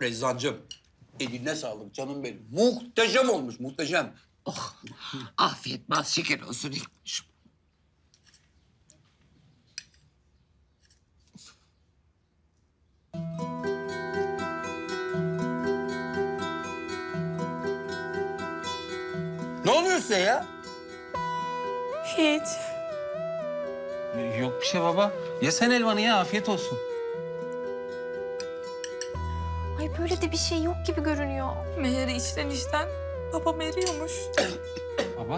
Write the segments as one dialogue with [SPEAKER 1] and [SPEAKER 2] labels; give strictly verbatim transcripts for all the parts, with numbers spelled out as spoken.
[SPEAKER 1] Rezzancığım, eline sağlık canım benim. Muhteşem olmuş, muhteşem.
[SPEAKER 2] Oh, afiyet bal şeker olsun İlknur'cum.
[SPEAKER 1] Ne oluyor size ya?
[SPEAKER 3] Hiç.
[SPEAKER 4] Yok bir şey baba. Ya sen elvanı ya, afiyet olsun.
[SPEAKER 3] Ay böyle de bir şey yok gibi görünüyor. Meğer içten içten babam eriyormuş.
[SPEAKER 4] Baba.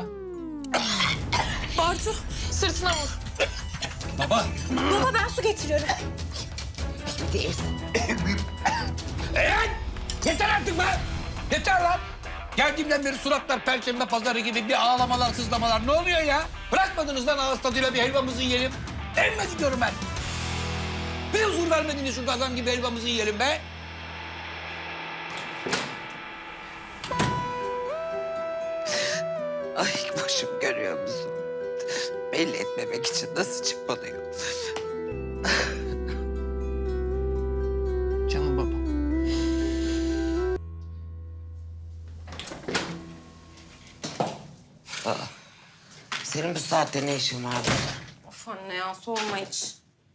[SPEAKER 3] Bartu sırtına vur.
[SPEAKER 4] Baba.
[SPEAKER 3] Baba ben su getiriyorum.
[SPEAKER 2] Değilsin.
[SPEAKER 1] Eren! Yeter artık be! Yeter lan! Geldiğimden beri suratlar perşembe pazarı gibi bir ağlamalar, sızlamalar. Ne oluyor ya? Bırakmadınız lan ağız tadıyla bir helvamızı yiyelim. Elmez diyorum ben. Bir huzur vermediniz şu gazan gibi helvamızı yiyelim be.
[SPEAKER 2] Ay başım görüyor musun? Belli etmemek için nasıl çıkmalıyor?
[SPEAKER 4] Canım baba.
[SPEAKER 2] Senin bu saatte ne işin var burada?
[SPEAKER 3] Of anne ya sorma hiç.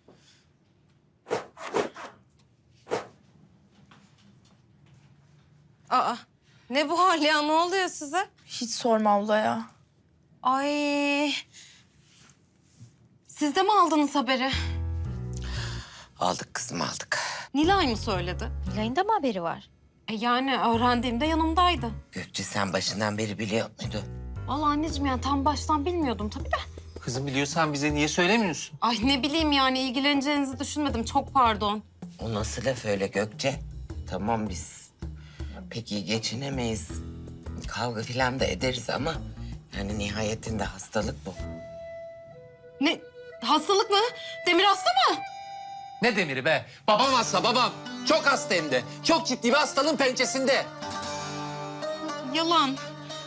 [SPEAKER 3] Aa ne bu hal ya ne oluyor size?
[SPEAKER 5] Hiç sorma abla ya.
[SPEAKER 3] Ay. Siz de mi aldınız haberi?
[SPEAKER 2] Aldık kızım aldık.
[SPEAKER 3] Nilay mı söyledi?
[SPEAKER 6] Nilay'ın da mı haberi var?
[SPEAKER 3] E yani öğrendiğimde yanımdaydı.
[SPEAKER 2] Gökçe sen başından beri biliyor muydun?
[SPEAKER 3] Vallahi anneciğim yani tam baştan bilmiyordum tabii de.
[SPEAKER 4] Kızım biliyorsan bize niye söylemiyorsun?
[SPEAKER 3] Ay ne bileyim yani ilgileneceğinizi düşünmedim. Çok pardon.
[SPEAKER 2] O nasıl laf öyle Gökçe? Tamam biz pek iyi geçinemeyiz. Kavga filan da ederiz ama yani nihayetinde hastalık bu.
[SPEAKER 3] Ne? Hastalık mı? Demir hasta mı?
[SPEAKER 4] Ne demiri be? Babam hasta babam. Çok hasta hem de. Çok ciddi bir hastalığın pençesinde.
[SPEAKER 3] Yalan.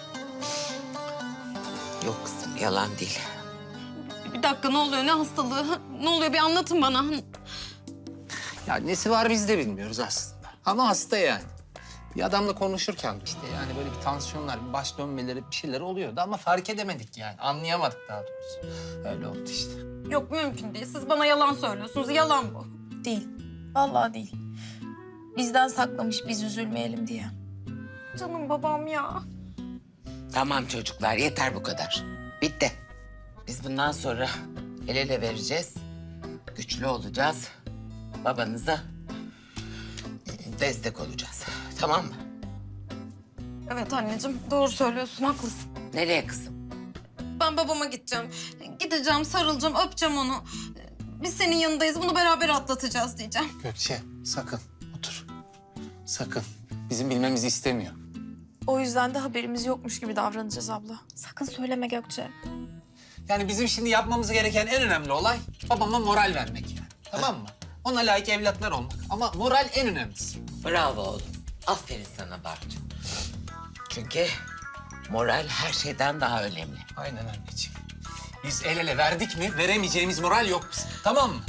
[SPEAKER 2] Yok kızım yalan değil.
[SPEAKER 3] Bir dakika ne oluyor? Ne hastalığı? Ne oluyor? Bir anlatın bana.
[SPEAKER 4] Ya nesi var biz de bilmiyoruz aslında. Ama hasta yani. Bir adamla konuşurken işte yani böyle bir tansiyonlar, bir baş dönmeleri bir şeyler oluyordu ama fark edemedik yani. Anlayamadık daha doğrusu. Öyle oldu işte.
[SPEAKER 3] Yok mümkün değil. Siz bana yalan söylüyorsunuz. Yalan bu.
[SPEAKER 5] Değil. Vallahi değil. Bizden saklamış biz üzülmeyelim diye.
[SPEAKER 3] Canım babam ya.
[SPEAKER 2] Tamam çocuklar yeter bu kadar. Bitti. Biz bundan sonra el ele vereceğiz. Güçlü olacağız. Babanıza destek olacağız. Tamam mı?
[SPEAKER 3] Evet anneciğim doğru söylüyorsun. Haklısın.
[SPEAKER 2] Nereye kızım?
[SPEAKER 3] Ben babama gideceğim. Gideceğim, sarılacağım, öpeceğim onu. Biz senin yanındayız. Bunu beraber atlatacağız diyeceğim.
[SPEAKER 4] Gökçe sakın otur. Sakın. Bizim bilmemizi istemiyor.
[SPEAKER 5] O yüzden de haberimiz yokmuş gibi davranacağız abla. Sakın söyleme Gökçe.
[SPEAKER 4] Yani bizim şimdi yapmamız gereken en önemli olay babama moral vermek yani. Tamam mı? Ona layık evlatlar olmak. Ama moral en önemlisi.
[SPEAKER 2] Bravo oğlum. Aferin sana Bartu. Çünkü moral her şeyden daha önemli.
[SPEAKER 4] Aynen anneciğim. Biz el ele verdik mi veremeyeceğimiz moral yok bizim. Tamam mı?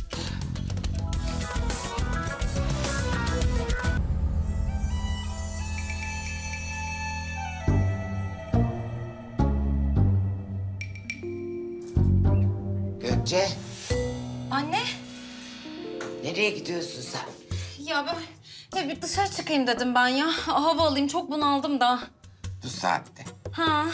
[SPEAKER 2] Gökçe,
[SPEAKER 3] Anne.
[SPEAKER 2] nereye gidiyorsun sen?
[SPEAKER 3] Ya ben ya bir dışarı çıkayım dedim ben ya. Hava alayım. Çok bunaldım da.
[SPEAKER 2] Bu saatte.
[SPEAKER 3] Ha.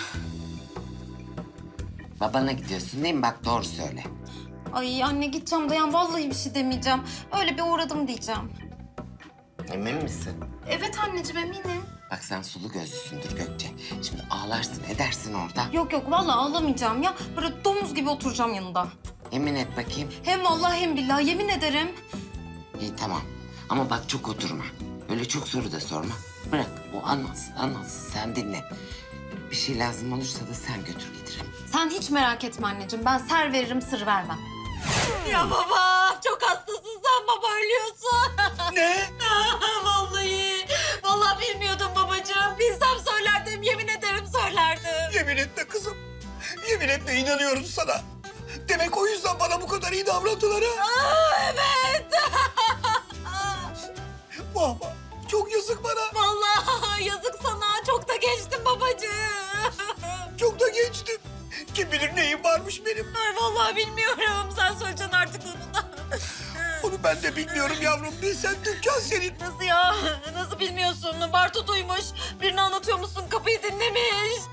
[SPEAKER 2] Babana gidiyorsun değil mi? Bak doğru söyle.
[SPEAKER 3] Ay anne gideceğim Dayan. Vallahi bir şey demeyeceğim. Öyle bir uğradım diyeceğim.
[SPEAKER 2] Emin misin?
[SPEAKER 3] Evet anneciğim eminim.
[SPEAKER 2] Bak sen sulu gözlüsündür Gökçe. Şimdi ağlarsın edersin orada.
[SPEAKER 3] Yok yok vallahi ağlamayacağım ya. Böyle domuz gibi oturacağım yanında.
[SPEAKER 2] Yemin et bakayım.
[SPEAKER 3] Hem vallahi hem billahi yemin ederim.
[SPEAKER 2] İyi tamam. Ama bak çok oturma. Öyle çok soru da sorma. Bırak o anlatsın anlatsın sen dinle. Bir şey lazım olursa da sen götür getir.
[SPEAKER 3] Sen hiç merak etme anneciğim. Ben ser veririm sır vermem. Ya baba çok hastasın sen baba ölüyorsun.
[SPEAKER 1] Ne?
[SPEAKER 3] Vallahi. Vallahi bilmiyordum babacığım. Bilsem söylerdim yemin ederim söylerdim.
[SPEAKER 1] Yemin etme kızım. Yemin etme inanıyorum sana. Demek o yüzden bana bu kadar iyi davrandılar ha.
[SPEAKER 3] Aa, evet.
[SPEAKER 1] Vah vah. Çok yazık
[SPEAKER 5] vallahi bilmiyorum. Sen söyleyeceksin artık onu da.
[SPEAKER 1] Onu ben de bilmiyorum yavrum. Bilsen dükkan senin.
[SPEAKER 5] Nasıl ya? Nasıl bilmiyorsun? Bartu duymuş. Birini anlatıyor musun? Kapıyı dinlemiş.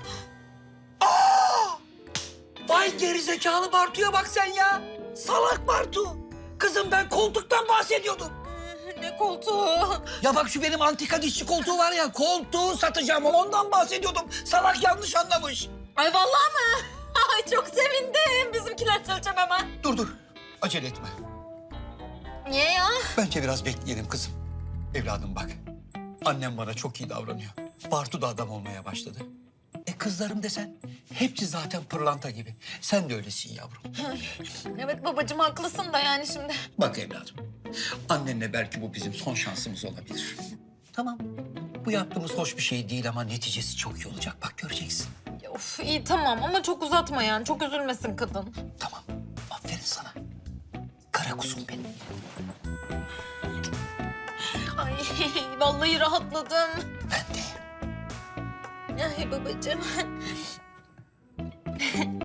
[SPEAKER 1] Vay gerizekalı Bartu'ya bak sen ya. Salak Bartu. Kızım ben koltuktan bahsediyordum.
[SPEAKER 5] Ne koltuğu?
[SPEAKER 1] Ya bak şu benim antika dişçi koltuğu var ya. Koltuğu satacağım. Ondan bahsediyordum. Salak yanlış anlamış.
[SPEAKER 5] Ay vallahi mı? Ay çok sevindim. Bizimkiler söyleyeceğim hemen.
[SPEAKER 1] Dur dur. Acele etme.
[SPEAKER 5] Niye ya?
[SPEAKER 1] Bence biraz bekleyelim kızım. Evladım bak. Annem bana çok iyi davranıyor. Bartu da adam olmaya başladı. E kızlarım desen hepsi zaten pırlanta gibi. Sen de öylesin yavrum.
[SPEAKER 5] Evet babacığım haklısın da yani şimdi.
[SPEAKER 1] Bak evladım. Annenle belki bu bizim son şansımız olabilir. Tamam. Bu yaptığımız hoş bir şey değil ama neticesi çok iyi olacak. Bak göreceksin.
[SPEAKER 5] Ya Of iyi tamam ama çok uzatma yani. Çok üzülmesin kadın.
[SPEAKER 1] Tamam. Aferin sana. Kara kuzum benim.
[SPEAKER 5] Ay vallahi rahatladım.
[SPEAKER 1] Ben de.
[SPEAKER 5] Ay babacığım.